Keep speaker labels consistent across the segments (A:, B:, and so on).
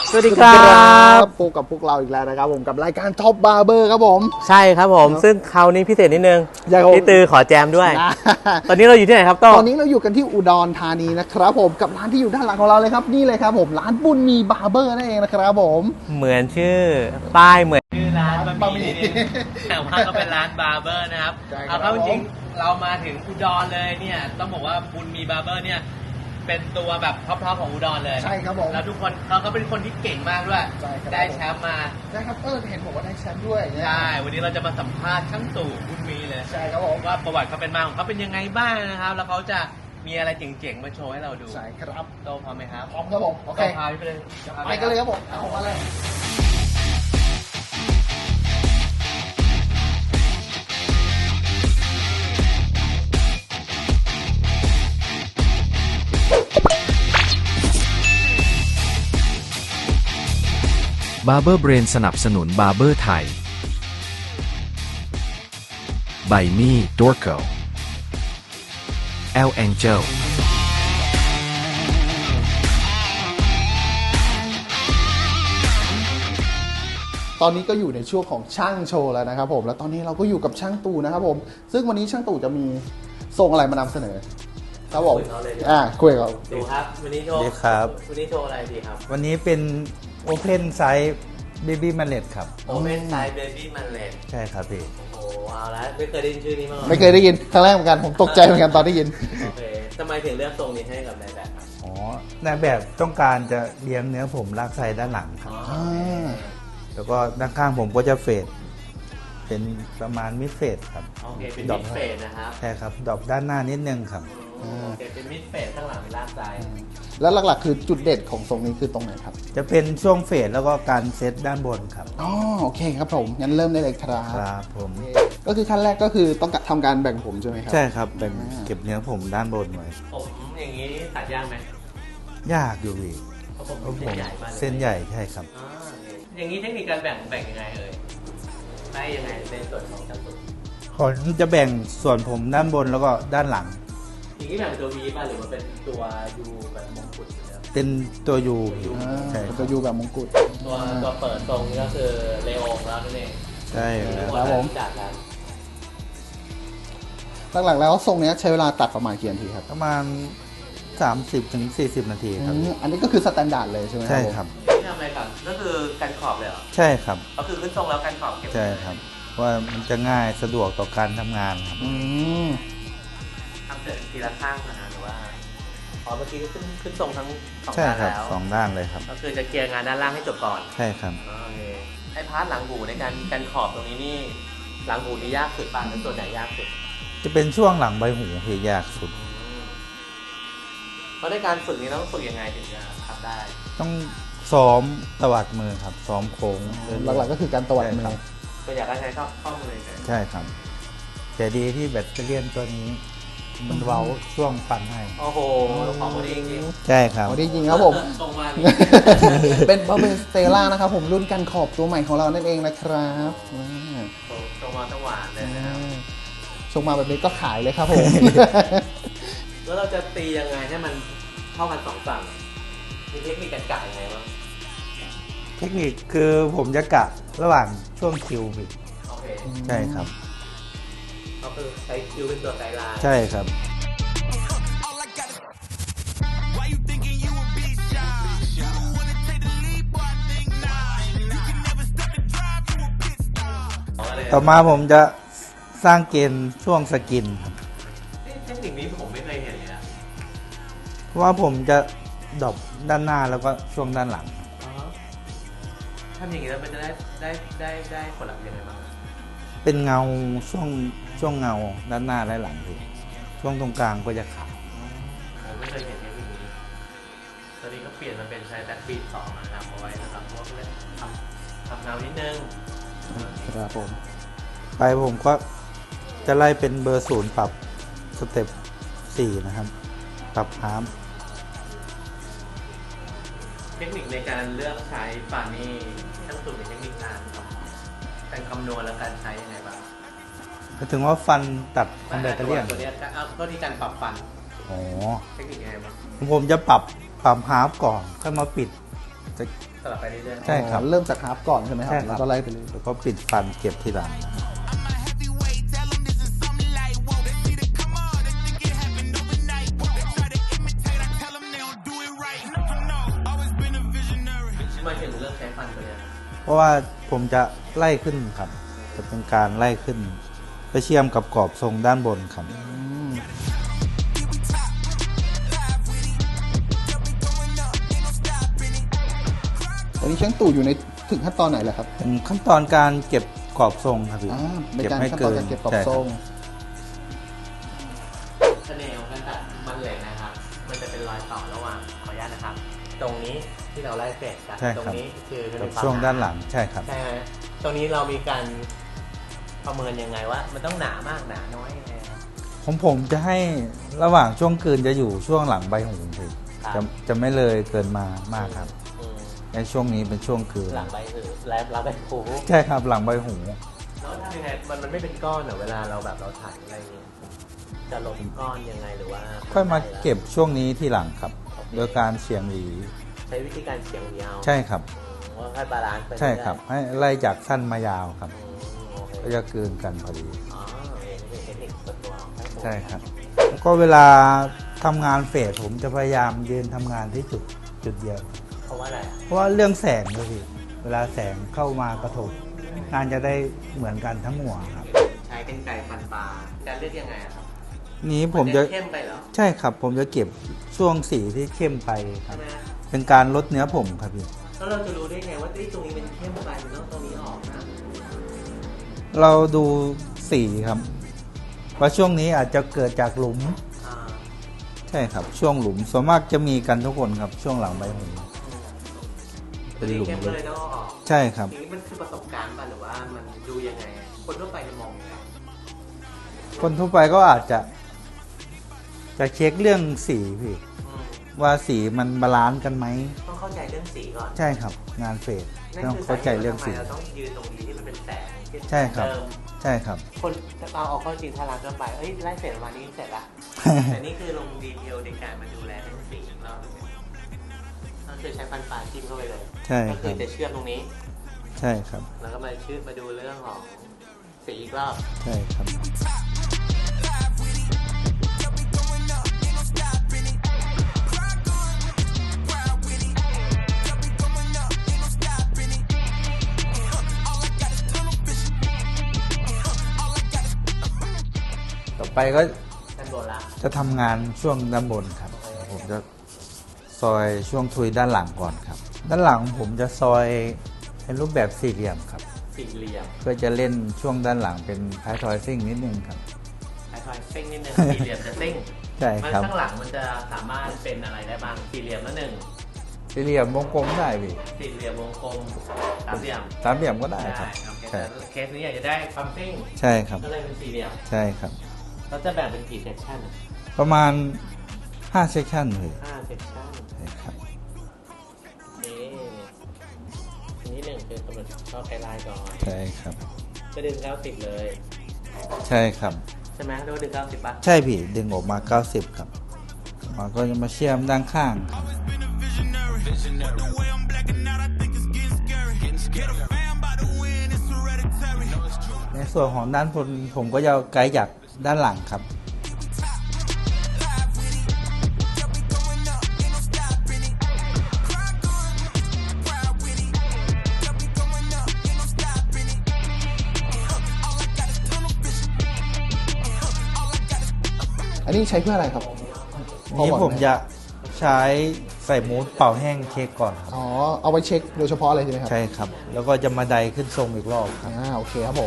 A: สวัสดีครับ
B: พบกับพวกเราอีกแล้วนะครับผมกับรายการท็อปบาร์เบอร์ครับผม
A: ใช่ครับผมซึ่งคราวนี้พิเศษนิดนึง
B: ยังไง
A: พี่ตือขอแจมด้วย ตอนนี้เราอยู่ที่ไหนครับโต้
B: ตอนนี้เราอยู่กันที่อุดรธานีนะครับผมกับร้านที่อยู่ด้านหลังของเราเลยครับนี่เลยครับผมร้านบุญมีบาร์เบอร์นั่นเองนะครับผม
A: เหมือนชื่อป้ายเหมือนชื่อร้านบะหมี่แต่ว่าก็เป็นร้านบาร์เบอร์นะครับเอาเข้าจริงเรามาถึงอุดรเลยเนี่ยต้องบอกว่าบุญมีบาร์เบอร์เนี่ยเป็นตัวแบบท็อปของอุดรเลย
B: ใช่ครับผม
A: แล้วทุกคนเขาก็เป็นคนที่เก่งมากด้วย
B: ใช่ครับ
A: ได้แชมป์มา
B: ใช่ครับเห็นบอกว่าได้แชมป์ด้วย
A: ใช่วันนี้เราจะมาสัมภาษณ์ช่างตู่บุญมีเลย
B: ใช่ครับผม
A: ว่าประวัติเขาเป็นมาของเขาเป็นยังไงบ้างนะครับแล้วเขาจะมีอะไรเจ๋งๆมาโชว์ให้เราดู
B: ใช่ครับ
A: โตพร้อมไหมครับ
B: พร้อมครับผมโอเค
A: โตพาไปเลย
B: ไปกันเลยครับผมเอามาเลย
C: บาร์เบอร์เบรนสนับสนุนบาร์เบอร์ไทยไบมี่ดอร์โกแอลแองเจล
B: ตอนนี้ก็อยู่ในช่วงของช่างโชว์แล้วนะครับผมแล้วตอนนี้เราก็อยู่กับช่างตู่นะครับผมซึ่งวันนี้ช่างตู่จะมีทรงอะไรมานำเสนอครับผมคุยกับ
A: ดูครับวันนี้โชว์
D: ดีครับ
A: วันนี้โชว์อะไรดีครับ
D: วันนี้เป็น Open Size Baby Mallet ครับ
A: โอเ n นไซเบบี้มันเลน
D: ใช่ครับพี่
A: โอ้โหเอาละไม่เคยได้ยินชื่อนี้มาก่อน
B: ไม่เคยได้ยินครั้งแรกเหมือนกันผมตกใจเหมือนกันตอนได้ยิน
A: โอเคทำไมถึงเลือกทรงนี้ให้กับนายแบบครับ
D: อ๋อ นายแบบต้องการจะเลี้ยงเนื้อผมลากไซด้านหลังครับ แล้วก็ด้านข้างผมก็จะเฟดเป็นประมาณมิดเฟดครับ
A: โอเคเป็น
D: ด
A: มิ
D: อก
A: ดเฟสนะครับ
D: ใช่ครับดอกด้านหน้านิดนึงครับ
A: โอเคเป็นมิดเฟสข้างหลังเป็นลากซ้าย
B: แล้วหลักๆคือจุดเด่นของทรงนี้คือตรงไหนครับ
D: จะเป็นช่วงเฟดแล้วก็การเซตด้านบนครับ
B: อ๋อโอเคครับผมงั้นเริ่มได้เลยครับ
D: ครับผม
B: ก็คือขั้นแรกก็คือต้องทำการแบ่งผมใช่ไหมครับ
D: ใช่ครับเป็นเก็บเนื้อผมด้านบนไว้
A: ผมอย่างนี้ตัดยากไหม
D: ยากอยู่พี่
A: เพราะผม
D: เพราะผม
A: เส้นใหญ่มากเลย
D: เส้นใหญ่ใช่ครับ
A: อ่าอย่างนี้เทคนิคการแบ่งยังไงเอ่ยได้ยังไงในส่วนของจัตุ
D: ผมจะแบ่งส่วนผมด้านบนแล้วก็ด้านหลัง
A: อย่างนี้แบ่งเป็นตัววีป่ะหรือว่าเป็นตัวยูแบบมงกุฎอยู่แล้ว
D: เป็นตัวยูอยู่
B: อ่า
D: ใช่
B: เป็น
D: ค
B: ตั
D: รั
B: ว
D: บ
B: ยูแบบมงกุฎ
A: ตัวเปิดทรงนี่ก็คือเลโอของเรานั่นเอง
D: ใช่ครับ
B: ครับผม
A: จากกัน
B: หลักๆแล้วทรงเนี้ยใช้เวลาตัดประมาณกี่นาทีครับ
D: ประมาณ 30-40 นาทีครับ
B: อันนี้ก็คือสแตนดาร์ดเลยใช่ไหม
D: ใช่ครับ
A: นี่ทำอะไรก่อนก็คือกันขอบเลยเหรอ
D: ใช่ครับ
A: ก็คือขึ้นทรงแล้วกันขอบเก็บ
D: ใช่ครับว่ามันจะง่ายสะดวกต่อการทำงานครับ
B: อืม
A: ทำเสร็จทีละข้างนะหรือว่าอ๋อเมื่อกี้ขึ้นทรงทั้งสอง
D: ใช่
A: ด้าน
D: ครับ
A: แล้ว
D: สองด้านเลยครับ
A: ก็คือจะเคลียร์งานด้านล่างให้จบก่อน
D: ใช่ครับ
A: โอเคไอ้พาร์ทหลังหูในการกันขอบตรงนี้นี่หลังหูนี่ยากสุดป่ะหรือส่วนไหนยากสุด
D: จะเป็นช่วงหลังใบหูที่ยากสุด
A: เพราะในการฝึกนี้ต้องฝึกยังไงถึงจะทำได้
D: ต้องซ้อมตวัดมือครับ ซ้อมโค้ง
B: หลักๆก็คือการตวัดมือ
A: ก็อยากให้ใช้ข้อมือเลย
D: ใช่ครับ แต่ดีที่แบตเตอรี่ตัวนี้ มันเว้าช่วงปั่นให้
A: โอ้โหของคนนี้จริง
D: ใช่ครับ
B: โอ้ดีจริงครับผม
A: ตรงมา
B: เป็นบาร์เบอร์สเตล่านะครับผมรุ่นกันขอบตัวใหม่ของเรานั่นเองนะครับอ่า
A: ตรงมาตะหวานเลยนะครับ
B: ชงมาแบบนี้ก็ขายเลยครับผม
A: แล้วเราจะตียังไงให้มันเท่ากันสองฝั่งมีเทคนิคการกะยังไงบ้าง
D: เทคนิคคือผมจะกะระหว่างช่วงคิวบิด
A: โอเค
D: ใช่ครับ
A: ก็คือใช้คิวเป็นตัวไกด์ไลน์
D: ใช่ครับ ต่อมาผมจะสร้างเกณฑ์ช่วงสกินครับ
A: เทคนิคนี้ผมไม่เคยเห็นเลยนะ
D: เพราะว่าผมจะดรอปด้านหน้าแล้วก็ช่วงด้านหลัง
A: ทำอย่างนี้แล้วมันจะได้ผลลัพธ์ยังไงบ้าง
D: เป็นเงาช่วงเงาด้านหน้าและหลังพี่ช่วงตรงกลางก็จะขาว
A: ผมไม่เคยเห็นเทคนิคนี้ตอนนี้ก็เปลี่ยนมาเป็นใช้แบ็คบีท2นะครับเอาไว้นะครับเพราะว่าเพื่อทำเงานิดนึง
B: ครับผม
D: ไปผมก็จะไล่เป็นเบอร์0ปรับสเต็ป4นะครับ ปรับฮาร์ม
A: เทคนิคในการเลือกใช้ปานี่ช่างสุดในเทคนิคการคำนวณและการใช้ยังไงบ้าง
D: ก็ถึงว่าฟันตัดคอมแบตเตอรี่
A: ตัวนี้เอาตัวที่การปรับฟัน
D: อ๋อ
A: เทคนิคยังไงบ้าง
D: ผมจะปรับฮาร์ฟก่อนค่อยมาปิดจะ
A: สลับไปเรื่อยๆ
D: ใช่ครับ
B: เริ่มจากฮาร์ฟก่อนใช่ไหมครับ
D: ใช่ครับ
B: แล้วก็ไล่ไปเลย
D: แล้วก็ปิดฟันเก็บทีหลัง
A: มาถึงเรื่องใช้ฟันไปเลย
D: เพราะว่าผมจะไล่ขึ้นครับ จะเป็นการไล่ขึ้นไปเชื่อมกับกรอบทรงด้านบนครับ
B: ตอนนี้ช่างตู่อยู่ในถึงขั้นตอนไหนแล้วครับ
D: เป็นขั้นตอนการเก็บกรอบทรงครับพี่
B: ในการขั้นตอนการเก็บกรอบ
D: ใช่ค
B: ทรง
A: เสน่ห์ของการตัดมันเหล็กนะครับ มันจะเป็นรอยต่อระหว่างขออนุญาตนะครับ ตรงนี้ที่เราไล่เฟสกัน
D: ใช่
A: ตรง
D: ครับ
A: นี้คือ
D: กับช่วงด้านหลังใช่ครับ
A: ใช่ไหมตรงนี้เรามีการประเมินยังไงว่า มันต้องหนามากหนาน้อยยังไงครับ
D: ของผมจะให้ระหว่างช่วงกลืนจะอยู่ช่วงหลังใบหูพี่
A: ครับ
D: จะไม่เลยเกินมามากครับ
A: อืม
D: ในช่วงนี้เป็นช่วงกลืน
A: หลังใบหือแล้วเราเป็นหู
D: ใช่ครับหลังใบหู
A: แล้วทำยังไงมันไม่เป็นก้อนเหรอเวลาเราแบบเราถ่ายอะไรอย่างเงี้ยจะลดก้อนยังไงหรือว่า
D: ค่อยมาเก็บช่วงนี้ที่หลังครับโดยการเฉียงหวี
A: ใช้วิธีการเฉียงยาว
D: ใช่ครับ
A: ว่าให้บาลานซ์ไป
D: ใช่ครับ ให้ไล่จากสั้นมายาวครับ
A: โอเค
D: ก็จะกลืนกันพอดี
A: อ๋อนี่เป็นเทคนิคส่วนตัวของผม
D: ใช่ครับแล้วก็เวลาทำงานเฟสผมจะพยายามยืนทำงานที่จุดเดียว
A: เพราะว่าอะไรอ่ะ
D: เพราะว่าเรื่องแสงด้วยพี่เวลาแสงเข้ามากระทบงานจะได้เหมือนกันทั้งหัวครับ
A: ใช้กรรไกรฟันปลาจะเลือกยังไงอะครับ
D: นี้ผมจะ
A: เข้มไปเหรอ
D: ใช่ครับผมจะเก็บช่วงสีที่เข้มไปครั
A: ใช่
D: บ
A: ไหม
D: เป็นการลดเนื้อผมครับพี่
A: แล้วเราจะรู้ได้ไงว่าตรงนี้เป็นเข้มไปแล้วตรงนี้ออกนะ
D: เราดูสีครับว่าช่วงนี้อาจจะเกิดจากหลุม
A: อ่า
D: ใช่ครับ ช่วงหลุมส่วนมากจะมีกันทุกคนครับ ช่วงหลังใบหู เป็นหลุม
A: เข้มเลยแล้วก็ออก
D: ใช่ครับ
A: ทีนี้มันคือประสบการณ์ป่ะหรือว่ามันดูยังไงอะคนทั่วไปจะมองยังไง
D: คนทั่วไปก็อาจจะเช็คเรื่องสีพี่
A: อืม
D: ว่าสีมันบาลานซ์กันไหม
A: ต้องเข้าใจเรื่องสีก่อน
D: ใช่ครับ งานเฟส
A: นั่น
D: ต้อง
A: คือ
D: เข้าใจเรื่องสี
A: สาหตุว่าทำไมเราต้องยืนตรงนี้ที่มันเป็นแสงที่
D: ใช่ครับ
A: เติม
D: ใช่ครับ
A: คนเราเอาเข้าจริงถ้าร้านก็ไปเอ้ยไล่เสร็จประมาณนี้เสร็จละ แต่นี่คือลงดีเทลในการมาดูแลเรื่องสีของเราก็คือใช้ฟันปลาจิ้มเข้าไปเลย
D: ใช่
A: ก็
D: ค
A: คื
D: รั
A: อบ จะเชื่อมตรงนี้
D: ใช่ครับ
A: แล้วก็มามาดูเรื่องของสีอีกรอบ
D: ใช่ครับ ต่อไปก็
A: ด้านบนละ
D: จะทำงานช่วงด้านบนครับ ผมจะซอยช่วงทุยด้านหลังก่อนครับ ด้านหลังผมจะซอยเป็นรูปแบบสี่เหลี่ยมครับ
A: สี่เหลี่ยม
D: เพื่อจะเล่นช่วงด้านหลังเป็นท้ายทอยซิ่งนิดนึงครับ
A: ไอ้ทอยซิ่งนิดนึงสี่เหลี่ยมจะซิ่ง
D: ใช่
A: มัน
D: ครับ
A: ข้างหลังมันจะสามารถเป็นอะไรได้บ้างสี่เหลี่ยมละหนึ่ง
D: สี่เหลี่ยมวงกลมได้พี่
A: สี่เหลี่ยมวงกลมสามเหลี่ยม
D: สามเหลี่ยมก็ได้ครับ
A: โอเค
D: ใช่
A: แต่เคสนี้อยากจะได้ความซิ่ง
D: ใช่ครับ
A: ก็เลยเป็นสี่เหลี่ยม
D: ใช่ครับ
A: เราจะแบ่งเป็นกี่เซสชั่น
D: ประมาณ5เซสชั่นเลย
A: 5เซสชั่น
D: ใช่ครับ
A: อันนี้หนึ่งคือกำหนดข้อไกด์ไลน์ก่อน
D: ใช่ครับ
A: ก็ดึง90เลย
D: ใช่ครับ
A: ใช่ไหมเรียกว่าดึง90ป่ะ
D: ใช่พี่ดึงออกมา 90 ครับมันก็จะมาเชื่อมด้านข้างครับในส่วนของด้านบนผมก็จะไกด์จากด้านหลังครับ
B: อันนี้ใช้เพื่ออะไรครับ
D: นี้ผมจะใช้ใส่มูสเป่าแห้งเช็คก่อนครับ
B: อ๋อ เอาไว้เช็คโดยเฉพาะเลยใช่ไหมครับ
D: ใช่ครับ แล้วก็จะมาไดขึ้นทรงอีกรอบครับ
B: โอเคครับผม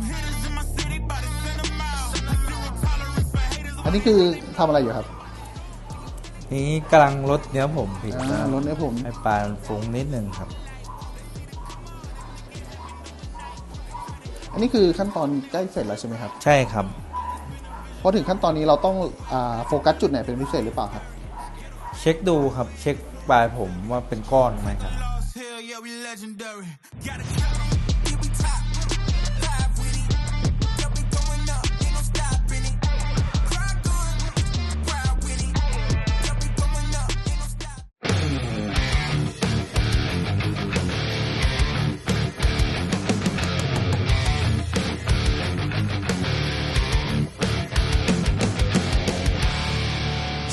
B: อันนี้คือทำอะไรอยู่ครับ
D: นี้กำลังลดเนื้อผมผิด
B: ลดเนื้อผม
D: ให้ปลายมันฟุ้งนิดนึงครับ
B: อันนี้คือขั้นตอนใกล้เสร็จแล้วใช่ไหมครับ
D: ใช่ครับ
B: พอถึงขั้นตอนนี้เราต้องโฟกัสจุดไหนเป็นพิเศษหรือเปล่าครับ
D: เช็คดูครับ เช็คปลายผมว่าเป็นก้อนไหมครับ
E: Hell yeah, we legendary. Gotta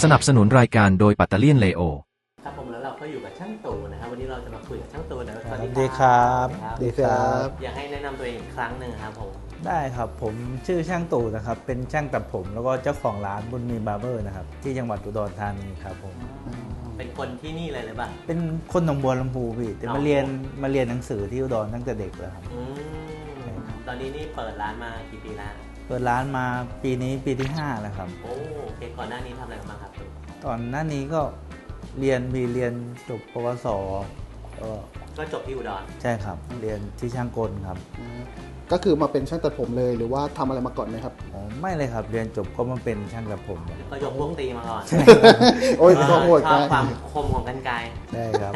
C: สนับสนุนรายการโดยปัตตาเลียนเลโอ
A: ครับผมแล้วเราก็อยู่กับช่างตู่นะครับวันนี้เราจะมาคุยกับช่างตู่นะสวัส
D: สวัส
A: ดี
D: ดีครับ
A: ครับ
B: ดีครับ
A: อยากให้แนะนำตัวเองอีกครั้งหนึ่งครับผม
D: ได้ครับผมชื่อช่างตู่นะครับเป็นช่างตัดผมแล้วก็เจ้าของร้านบุญมีบาร์เบอร์นะครับที่จังหวัดอุดรธานีครับผม
A: เป็นคนที่นี่เลยหรือเปล่า
D: เป็นคนหนองบัวลำพูพี่แต่
A: อ๋อ
D: มาเรียนหนังสือที่อุดรตั้งแต่เด็กแล้วครับ
A: อืมตอนนี้นี่เปิดร้านมากี่ปีแล้ว
D: เปิดร้านมาปีนี้ปีที่ 5 แล้วครับ
A: โอ้โอเคก่อนหน้านี้ทำอะไรกันบ้างครับตู่
D: ตอนหน้านี้ก็เรียนจบปวสก็
A: ก็จบที่อุดร
D: ใช่ครับเรียนที่ช่างกลครับ
B: ก็คือมาเป็นช่างตัดผมเลยหรือว่าทำอะไรมาก่อนไหมครับ
D: อ๋อไม่เลยครับเรียนจบก็มาเป็นช่างตัดผมเลย
A: ก็ยกพวกตีมาก่อน
B: โอ้ยก็โหด
A: ช
B: ไป
A: อบความคมของกรรไกร
D: ได้ครับ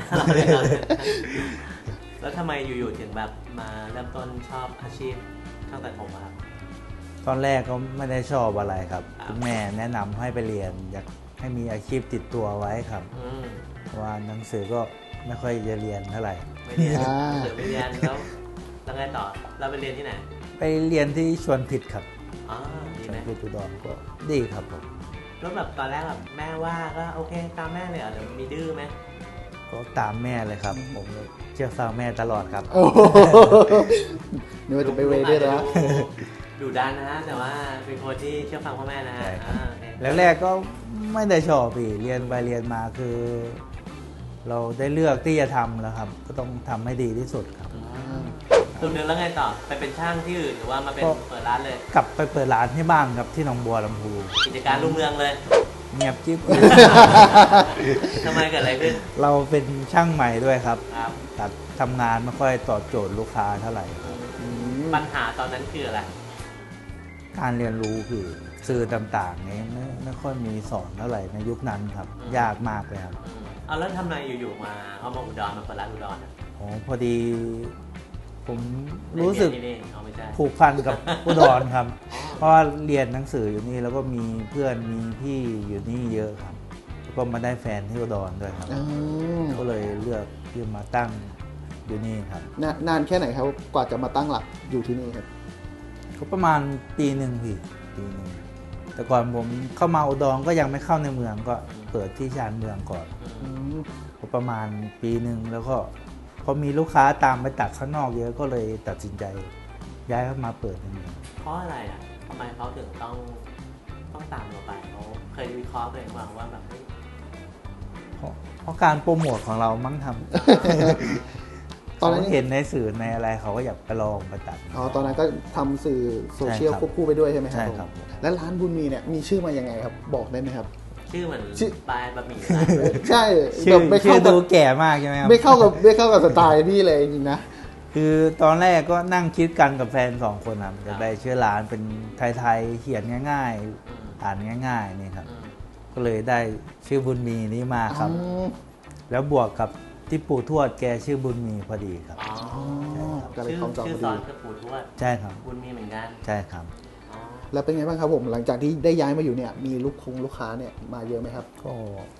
A: แล้วทำไมอยู่ๆถึงแบบมาเริ่มต้นชอบอาชีพช่างตัดผมอะครับ
D: ตอนแรกก็ไม่ได้ชอบอะไรครับ
A: ครับ
D: คุณแม่แนะนำให้ไปเรียนอยากให้มีอาชีพติดตัวไว้ครับ
A: อืม
D: เพราะว่าหนังสือก็ไม่ค่อยจะเรียนเท่าไหร่
A: ไม่เรียนหรือไม่เรียนแล้วไงต่อเราไปเรียนที่ไหน
D: ไปเรียนที่ชวนผิดครับ
A: อ๋อดี
D: ช
A: ไห
D: ว
A: ม
D: นผิดอุดรก็ดีครับผม
A: แล้วแบบตอนแรกแบบแม่ว่าก็โอเคตามแม่เลยเหรอเดี๋ยวมีดื้อไหม
D: ก็ตามแม่เลยครับ ผมก็เชื่อฟังแม่ตลอดครับ
B: โอ้โหนี่ว่าจะไปเวย์ด้วยนะ
A: ดูดันนะฮะแต่ว่าเป็นคนที่เชื่อฟังพ่อแม่นะฮะ
D: ใช่ครับ
A: โอเค
D: แรกๆก็ไม่ได้ชอบพี่เรียนไปเรียนมาคือ เราได้เลือกที่จะทำแล้วครับ ก็ต้องทำให้ดีที่สุดครับ
A: สุดเดือนแล้วไงต่อไปเป็นช่างที่อื่นหรือว่ามาเป็น
D: ก็
A: เปิดร้านเลย
D: กลับไปเปิดร้านที่บ้านครับที่หนองบัวลำพู
A: กิจการรุ่งเรืองเลย
D: เงียบจิ๊บ
A: ทำไมเกิดอะไรขึ้น
D: เราเป็นช่างใหม่ด้วยครับ
A: ครับ
D: ตัดทำงานไม่ค่อยตอบโจทย์ลูกค้าเท่าไหร่ครับ
A: ปัญหาตอนนั้นคืออะไร
D: การเรียนรู้คือสื่อต่างๆนี้ไม่ค่อยมีสอนเท่าไหร่ในยุคนั้นครับ ยากมากเลยครับ
A: เอาแล้วทำไมอยู่ๆมาเอามาอุดรมาเปิดร้านอุดรอ่ะ
D: อ๋อพอดี ผมรู้สึก
A: ได้เยนที่นี่เอาไม่ใช่
D: ผูกพันกับ อุดรครับ
A: อ๋อ
D: เพราะว่าเรียนหนังสืออยู่นี่แล้วก็มีเพื่อนมีพี่อยู่นี่เยอะครับแล้วก็มาได้แฟนที่อุดรด้วยครับ
B: อืม
D: ก็เลยเลือกที่มาตั้งอยู่นี่ครับ
B: นานแค่ไหนครับกว่าจะมาตั้งหลักอยู่ที่นี่ครับ
D: ก็ประมาณปีหนึ่งพี่ปีหนึ่งแต่ก่อนผมเข้ามาอุดรก็ยังไม่เข้าในเมืองก็เปิดที่ชานเมืองก่อน
B: อืม
D: ก็ประมาณปีหนึ่งแล้วก็พอมีลูกค้าตามไปตัดข้างนอกเยอะก็เลยตัดสินใจย้ายเข้ามาเปิดในเมือง
A: เพราะอะไรอ่ะทำไมเขาถึงต้องตามเราไปเขาเคยวิเคราะห์ตัวเองบ้างว่าแบบเฮ้ย
D: เพราะการโปรโมทของเรามั้งทำ
B: ตอนนั้น
D: เขาเห็นในสื่อในอะไรเขาก็อยากไปลองไปตัด
B: อ๋อตอนนั้นก็ทำสื่อโซเชียล
D: ใช่ครับ
B: ควบคู่ไปด้วยใช่ไหมครับ
D: ใช่ครับ
B: ผมแล้วร้านบุญมีเนี่ยมีชื่อมายังไงครับ บอกได้ไหมครับ
A: ชื่อเหมือน
B: ชื่อ
A: ปลายบะหมี่ร้านเลย
B: ใช่
D: ชื่
B: แบ
D: อบ
B: ไม่
D: ชื่
B: เข้า
D: อ
B: กั
D: ดู
B: บ
D: แก่มากใช่ไหมครับ
B: ไม่เข้ากับสไตล์พี่เลยจริงๆนะ
D: คือตอนแรกก็นั่งคิดกันกับแฟน2 คนครับจะได้ชื่อร้านเป็นไทยๆเขียนง่ายๆอ่านง่ายๆนี่ครับ
A: อืม
D: ก็เลยได้ชื่อบุญมีนี้มาครับ แล้วบวกกับที่ปู่ทวดแกชื่อบุญมีพอดีครับ
A: อ๋อ
B: ก็เลย
A: ชื่อ
B: คล้องจอง
A: ชื่อ
B: พอ
A: ซ
B: ดี
A: อยคือปู่ทวด
D: ใช่ครับ
A: บุญมีเหมือนกัน
D: ใช่ครับ
A: อ๋อ
B: แล้วเป็นไงบ้างครับผมหลังจากที่ได้ย้ายมาอยู่เนี่ยมีลูกค้าเนี่ยมาเยอะไหมครับ
D: ก็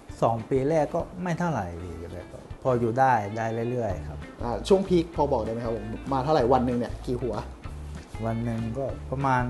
D: 2 ปีแรกก็ไม่เท่าไหร่พี่แต่ก็พออยู่ได้เรื่อยๆครับ
B: ช่วงพีคพอบอกได้ไหมครับผมมาเท่าไหร่วันหนึ่งเนี่ยกี่หัว
D: วันหนึ่งก็ประมาณ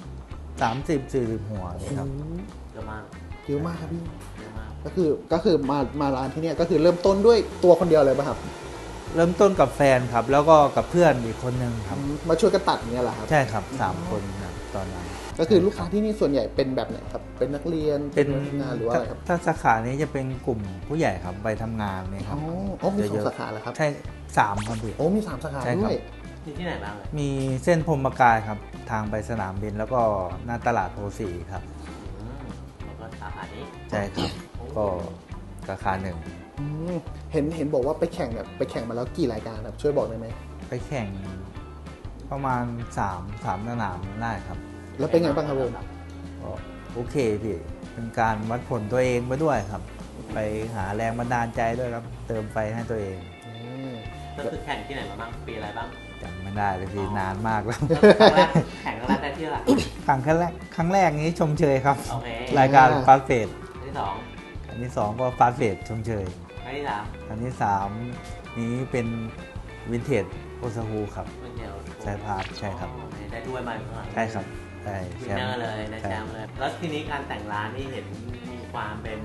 D: 30-40 หัวเลยครับ
A: เยอะมาก
B: เยอะมากครับพี่
A: เยอะมาก
B: ก็คือมาร้านที่เนี่ยก็คือเริ่มต้นด้วยตัวคนเดียวเลยป่ะครับ
D: เริ่มต้นกับแฟนครับ แล้วก็กับเพื่อนอีกคนนึงครับ
B: มาช่วยกันตัดอย่างเงี้ยเหรอครับ
D: ใช่ครับ3 คนครับตอนนั้น
B: ก็คือลูกค้าที่นี่ส่วนใหญ่เป็นแบบไหนครับเป็นนักเรียน
D: เป็น
B: พนักงานหรือว่าอะไรครับ
D: ถ้าสาขานี้จะเป็นกลุ่มผู้ใหญ่ครับไปทำงานนี่ค
B: อ๋
D: รั
B: อบ มีสอ
D: เย
B: ง
D: อะๆ
B: สาขาเหรอครับ
D: ใช่3ครับพี่
B: โอ้มี3สาขา
D: ใช่ครับ
B: ด้วย
A: มีที่ไหนบ้างเลย
D: มีเส้นพรหมกายครับ ทางไปสนามบินแล้วก็หน้าตลาดโพสีครับ
A: อืมแล้วก็สาขานี้
D: ใช่ครับ ก็ราคาหนึ่ง
B: อืมเห็นบอกว่าไปแข่งมาแล้วกี่รายการครับช่วยบอกได้ไหม
D: ไปแข่งประมาณ3สนามได้ครับ
B: แล้วเป็นไงบ้างครับผม
D: ก็โอเคพี่เป็นการวัดผลตัวเองไปด้วยครับ ไปหาแรงบันดาลใจด้วยครับ เติมไฟให้ตัวเอง
B: อืม
A: ก็คือแข่งที่ไหนมาบ้างปีอะไรบ้าง
D: จำไม่ได้เลยพี่นานมากแล้ว
A: แล้วครั้งแรกแข่งครั้งแรกได้ที่อะไร
D: ครั้งแรกนี้ชมเชยครับ
A: โอเค
D: รายการฟาสเฟด
A: ครั้งที่สอง
D: อันที่2ก็ฟาสเฟดชมเชย
A: ครั้งที่สาม
D: อันที่3นี้เป็นวินเทจโอซาฮูครับ
A: เป็นเดียว
D: ใช่ภาพใช่ครับ
A: อ๋อได้ด้วยมาข้างหลัง
D: ใช่ครับได้
A: วิน
D: แช
A: เน
D: ม
A: อ
D: ป์
A: ร์เลยได้แชมป์เลย แล้วทีนี้การแต่งร้านนี่เห็นมีคความเป็น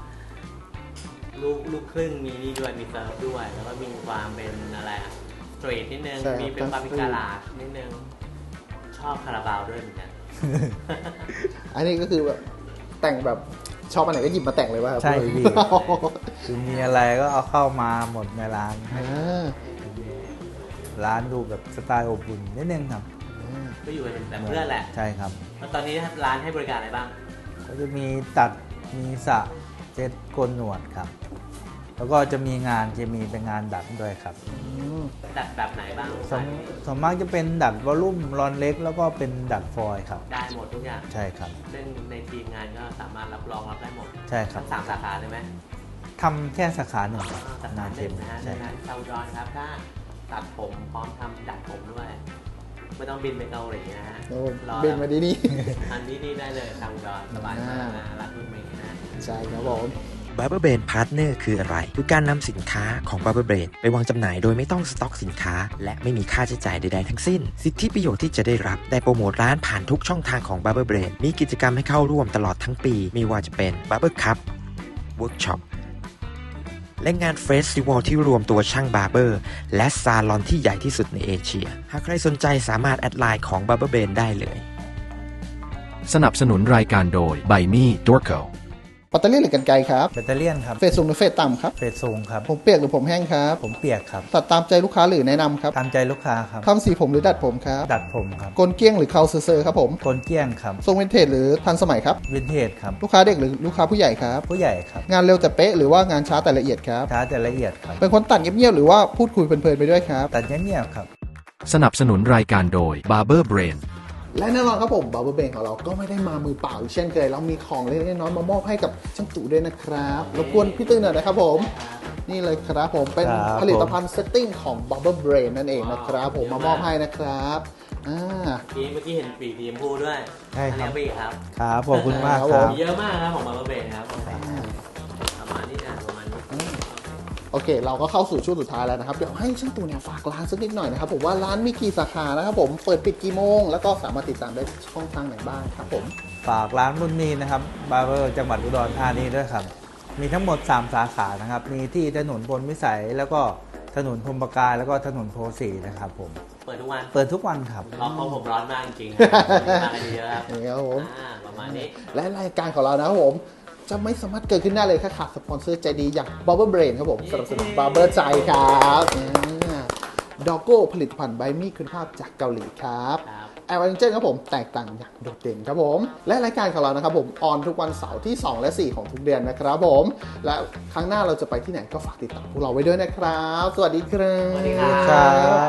A: ลูกครึ่งมีนี่ด้วยมีเซิร์ฟด้วย แล้วก็มีความเป็นอะไรอะสตรีทนิดนึง
B: ใช่ครับ
A: มีเป็นบาร์บีคาลานิดนึงชอบคาราบาวด้วยเหมือนกัน
B: อันนี้ก็คือแบบแต่งแบบชอบอันไหนก็หยิบมาแต่งเลยป่ะครับ
D: ใช่พี่ คือมีอะไรก็เอาเข้ามาหมดในร้าน
B: อ่า
D: ร้านดูแบบสไตล์อบอุ่นนิดนึงครับ
A: ก็อยู่เป็นแต่เพื่อนแหละ
D: ใช่ครับ
A: แล้วตอนนี้ร้านให้บริการอะไรบ้าง
D: ก็จะมีตัดมีสระเจ็ดโกนหนวดครับ แล้วก็จะมีงานจะมีเป็นงานดัดด้วยครับ
A: ดัดแบบไหนบ้าง
D: ส่วนมากจะเป็นดัดวอลลุ่มรอนเล็ก แล้วก็เป็นดัดฟอยล์ครับ
A: ได้หมดทุกอย่าง
D: ใช่ครับ
A: ซึ่งในทีมงานก็สามารถรับรองรับได้หมด
D: ใช่ครับ
A: ทั้ง3 สาขาเลยไหม
D: ทำแค่สาขาหนึ่งครับ
A: สาขา
D: นา
A: ห
D: เท
A: นึ่
D: ม
A: งนะฮะ
D: ใช่
A: ดังนั้นชาวอุดรครับถ้าตัดผมพร้อมทำดัดผมด้วย ไม่ต้องบินไปเกาหลีนะฮะ
B: โอ้
A: รอ
B: เบนมาดีนี่
A: อันนี้นี่ได้เลยชาวอุดรสบายมากนะรักรุ่นเมย์นะ
B: ใช่ครับผม
F: Barber Brain Partner คืออะไร คือการนำสินค้าของ Barber Brain ไปวางจำหน่ายโดยไม่ต้องสต็อกสินค้า และไม่มีค่าใช้จ่ายใดๆทั้งสิ้น สิทธิประโยชน์ที่จะได้รับได้โปรโมทร้านผ่านทุกช่องทางของ Barber Brain มีกิจกรรมให้เข้าร่วมตลอดทั้งปี ไม่ว่าจะเป็น Barber Cup Workshop และงานเฟสติวัลที่รวมตัวช่างบาร์เบอร์และซาลอนที่ใหญ่ที่สุดในเอเชีย หากใครสนใจสามารถแอดไลน์ของ Barber Brain ได้เลย
C: สนับสนุนรายการโดย By Me Dorco
B: ปัตเตอร์เลี่ยนหรือกันไกรครับ
D: แบตเตอรี่ยนครับ
B: เฟสสูงหรือเฟสต่ำครับ
D: เฟสสูงครับ
B: ผมเปียกหรือผมแห้งครับ
D: ผมเปียกครับ
B: ตัดตามใจลูกค้าหรือแนะนำครับ
D: ตามใจลูกค้าครับ
B: ทำสีผมหรือดัดผมครับ
D: ดัดผมครับ
B: กลเกี้ยงหรือเคาเซอร์ครับผม
D: โกนเกี้ยงครับ
B: ทรงวินเทจหรือทันสมัยครับ
D: วินเทจครับ
B: ลูกค้าเด็กหรือลูกค้าผู้ใหญ่ครับ
D: ผู้ใหญ่ครับ
B: งานเร็วแต่เป๊ะหรือว่างานช้าแต่ละเอียดครับ
D: ช้าแต่ละเอียดครับ
B: เป็นคนตัดเงียบๆหรือว่าพูดคุยเพลินๆไปด้วยครับ
D: ตัดเงียบๆครับ
C: สนับสนุนรายการโดย Barber Brain
B: และแน่นอนครับผมบาร์เบอร์เบนของเราก็ไม่ได้มามือเปล่าอีกเช่นเคยเรามีของเล็กๆน้อยๆมามอบให้กับช่างตู่ด้วยนะครับรบกวนพี่ตื้อหน่อยนะครับผมนี่เลยครับผมเป็น
D: ครับ
B: ผลิตภัณฑ์เซตติ้งของ Barber Brain นั่นเองนะครับผมมามอบให้นะครับเ
A: มื่อกี้เห็นปีทีมพูด้วย
D: ใช่ครับ
A: อันนี้ปีครับ
D: ครับขอบคุณมาก
B: ครับ
D: ค
B: ผ
D: รั
B: ม
D: บ
A: มีเยอะมากครับของมาเบนครับประมาณนี้นะประมาณนี้
B: โอเค เราก็เข้าสู่ช่วงสุดท้ายแล้วนะครับเดี๋ยวให้ช่างตู่เนี่ยฝากร้านสักนิดหน่อยนะครับผมว่าร้านมีกี่สาขานะครับผมเปิดปิดกี่โมงแล้วก็สามารถติดตามได้ช่องทางไหนบ้างครับผม
D: ฝากร้านรุ่นนี้นะครับบาร์เบอร์จังหวัดอุดรธานีด้วยครับ มีทั้งหมด 3 สาขานะครับ มีที่ถนนพลวิสัย แล้วก็ถนนพรหมประการแล้วก็ถนนโพสีนะครับผม
A: เปิดทุกวัน
D: เปิดทุกวันครับ
A: ร้อนเพราะผมร้อนมากจริงๆมากันเยอะครับ
B: นี่ครับผม
A: ประมาณนี้
B: และรายการของเรานะครับผมจะไม่สามารถเกิดขึ้นได้เลยถ้าขาดสปอนเซอร์ใจดีอย่าง Barber Brain ครับผมสนับสนุน Barber ใจครับดอกโก้ผลิตภัณฑ์ใบมีคุณภาพจากเกาหลีครับ
A: ครับ
B: แอร์วันเจนครับผมแตกต่างอย่างโดดเด่นครับผม และรายการของเรานะครับผมออนทุกวันเสาร์ที่ 2 และ 4 ของทุกเดือนนะครับผม และครั้งหน้าเราจะไปที่ไหนก็ฝากติดตามพวกเราไว้ด้วยนะครับ สวัสดีครับ
A: สวัสดีครับ
D: ครับ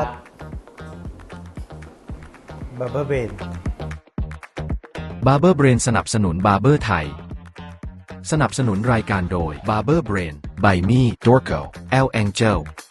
D: บาร์เบอร์เบน
C: Barber Brain สนับสนุน Barber ไทย สนับสนุนรายการโดย Barber Brain By Me Dorco El Angel